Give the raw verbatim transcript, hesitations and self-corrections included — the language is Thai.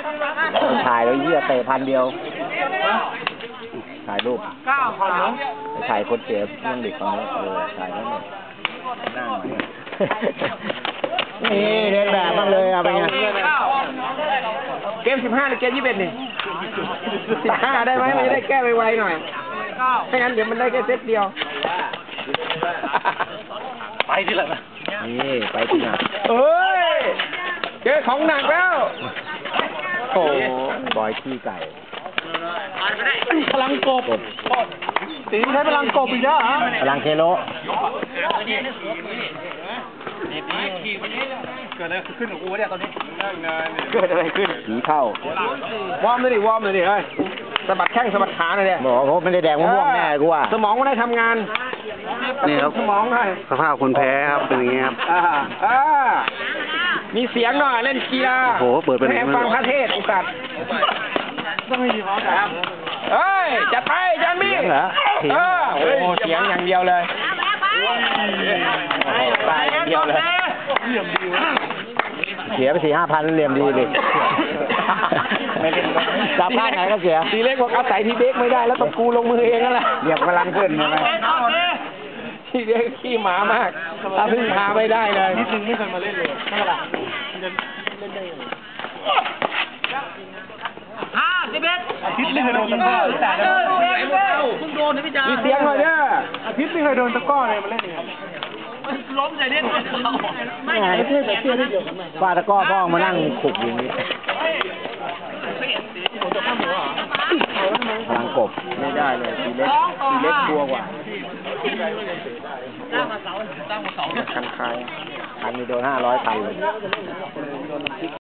ถ่ายแล้วเยี่ยเตะพันเดียวถ่ายรูปถ่ายคนเสียเรื่องเด็กคนนี้เออถ่ายแล้วเนี่ยนั่งนี่เล่นแบบบ้างเลยเอาไปไงเกมสิบห้าหรือเกมยี่สิบเอ็ดนี่สิบห้าได้ไหมมันจะได้แก้ไวๆหน่อยไม่งั้นเดี๋ยวมันได้แค่เซตเดียวไปที่ไหนนะนี่ไปที่ไหนเอ้ยเจอของหนักแล้วโอ้บอยขี้ไก่พลังกบตีใช้พลังกบอีกแล้วฮะพลังเคโลเกิดอะไรขึ้นกับกูเนี่ยตอนนี้เกิดอะไรขึ้นผีเข้าวอร์มเลยดิวอร์มเลยดิเฮ้ยสะบัดแข้งสะบัดขาหน่อยเนี่ยหมอเขาไม่ได้แดงม่วงแน่กูว่าสมองไม่ได้ทำงานนี่ครับสมองได้สภาพคนแพ้ครับเป็นอย่างนี้ครับอ่าอ่ามีเสียงหน่อยเล่นกีฬาโอ้โหเปิดเป็นแฟังพระเทศอุกัดต้องมีพร้อมกันเฮ้ยจัดไปจันมี่เหรอเออโอ้เสียงอย่างเดียวเลยตายอย่างเดียวเลยเสียไปสี่ห้าพันเหลี่ยมดีดิไม่เล่นจับพลาดไหนก็เสียทีเล็กบอกอาศัยทีเด็กไม่ได้แล้วต้องกูลงมือเองนั่นแหละเหลี่ยมกำลังขึ้นใช่ไหมทีเด็กขี้หมามากถ้าพึ่งพาไม่ได้เลยนิดนึงไม่เคยมาเล่นเลยใช่ไหมล่ะห้าสิบเอ็ดอาทิตย์ไม่เคยโดนตะก้อแต่เพิ่งโดนนะพี่จ๋ามีเสียงหน่อยเด้ออาทิตย์ไม่เคยโดนตะก้อเลยมาเล่นยังไงล้มใส่เล่นไม่ไงเพื่อนแต่เชื่อได้เดียวกันไหมฟาตะก้อพ่อมานั่งขุกอย่างนี้พลังกบไม่ได้เลยทีเล็กทีเล็กกลัวกว่าตั้งมาเสาตั้งมาเสาคันคายคันมีโดนห้าร้อยคันเลย